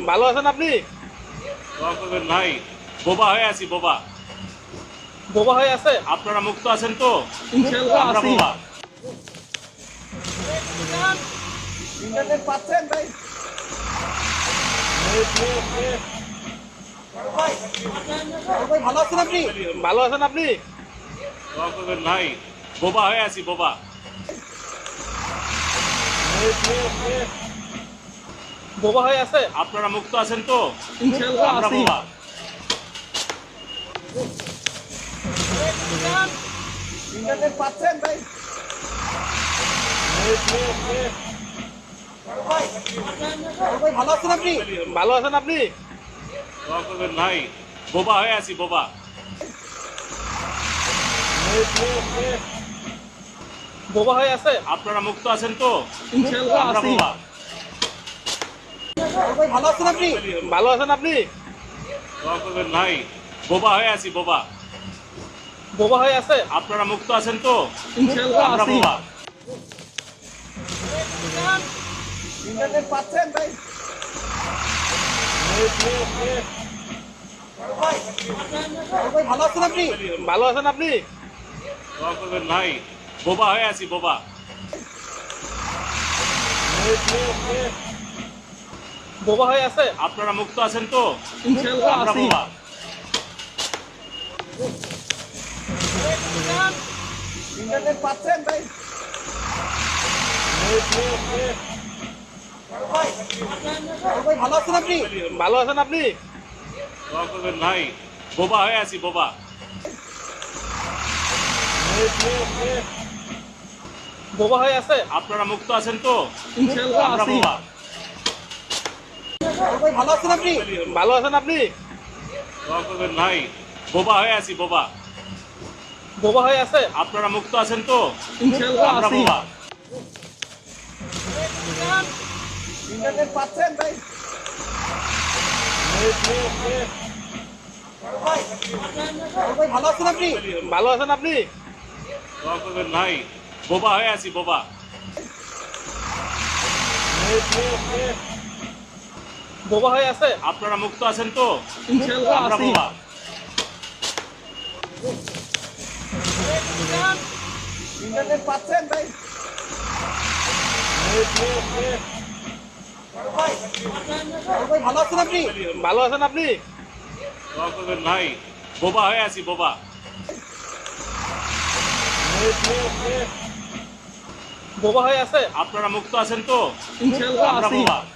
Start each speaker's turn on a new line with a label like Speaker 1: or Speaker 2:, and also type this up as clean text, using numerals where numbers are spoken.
Speaker 1: ভালো আছেন আপনি?
Speaker 2: দোয়া করবেন ভাই। বোবা হয়ে আছি, বোবা।
Speaker 1: বোবা হয়ে আছে?
Speaker 2: আপনারা মুক্ত আছেন তো?
Speaker 1: ইনশাআল্লাহ
Speaker 2: আমরা
Speaker 1: আছি।
Speaker 2: বোবা।
Speaker 1: ইন্টারনেট পাচ্ছেন ভাই? ভাই ভালো আছেন আপনি? ভালো আছেন আপনি?
Speaker 2: দোয়া করবেন ভাই। বোবা হয়ে আছি, বোবা।
Speaker 1: বোবা হয়ে আছে?
Speaker 2: আপনারা মুক্ত আছেন তো?
Speaker 1: ইনশাআল্লাহ
Speaker 2: আমরা
Speaker 1: আছি।
Speaker 2: বোবা।
Speaker 1: ইন্টারনেট পাচ্ছেন ভাই? ভাই ভালো আছেন আপনি? ভালো আছেন আপনি?
Speaker 2: দোয়া করবেন ভাই। বোবা হয়ে আছি, বোবা।
Speaker 1: বোবা হয়ে আছে?
Speaker 2: আপনারা মুক্ত আছেন তো?
Speaker 1: ইনশাআল্লাহ
Speaker 2: আমরা
Speaker 1: আছি।
Speaker 2: বোবা।
Speaker 1: ভাই ভালো আছেন আপনি? ভালো আছেন আপনি?
Speaker 2: দোয়া করবেন ভাই। বোবা হয়ে আছি, বোবা।
Speaker 1: বোবা হয়ে আছে?
Speaker 2: আপনারা মুক্ত আছেন তো?
Speaker 1: ইনশাআল্লাহ
Speaker 2: আমরা
Speaker 1: আছি।
Speaker 2: বোবা।
Speaker 1: ইন্টারনেট পাচ্ছেন ভাই? ভাই ভালো আছেন আপনি? ভালো আছেন আপনি?
Speaker 2: দোয়া করবেন ভাই। বোবা হয়ে আছি, বোবা।
Speaker 1: বোবা হয়ে আছে?
Speaker 2: আপনারা মুক্ত আছেন তো?
Speaker 1: ইনশাআল্লাহ
Speaker 2: আমরা
Speaker 1: আছি।
Speaker 2: বোবা।
Speaker 1: ইন্টারনেট পাচ্ছেন ভাই? ভাই ভালো আছেন আপনি? ভালো আছেন আপনি?
Speaker 2: দোয়া করবেন ভাই। বোবা হয়ে আছি, বোবা।
Speaker 1: বোবা হয়ে আছে?
Speaker 2: আপনারা মুক্ত আছেন তো?
Speaker 1: ইনশাআল্লাহ
Speaker 2: আমরা
Speaker 1: আছি।
Speaker 2: বোবা।
Speaker 1: ভাই ভালো আছেন আপনি? ভালো আছেন আপনি?
Speaker 2: দোয়া করবেন ভাই। বোবা হয়ে আছি, বোবা।
Speaker 1: বোবা হয়ে আছে?
Speaker 2: আপনারা মুক্ত আছেন তো?
Speaker 1: ইনশাআল্লাহ
Speaker 2: আমরা
Speaker 1: আছি।
Speaker 2: বোবা।
Speaker 1: ইন্টারনেট পাচ্ছেন ভাই? ভাই ভালো আছেন আপনি? ভালো আছেন আপনি?
Speaker 2: দোয়া করবেন ভাই। বোবা হয়ে আছি, বোবা।
Speaker 1: বোবা হয়ে আছে?
Speaker 2: আপনারা মুক্ত আছেন তো?
Speaker 1: ইনশাআল্লাহ
Speaker 2: আমরা
Speaker 1: আছি।
Speaker 2: বোবা।
Speaker 1: ইন্টারনেট পাচ্ছেন ভাই? ভাই ভালো আছেন আপনি? ভালো আছেন আপনি?
Speaker 2: দোয়া করবেন ভাই। বোবা হয়ে আছি, বোবা।
Speaker 1: বোবা হয়ে আছে?
Speaker 2: আপনারা মুক্ত আছেন তো?
Speaker 1: ইনশাআল্লাহ
Speaker 2: আমরা
Speaker 1: আছি।
Speaker 2: বোবা।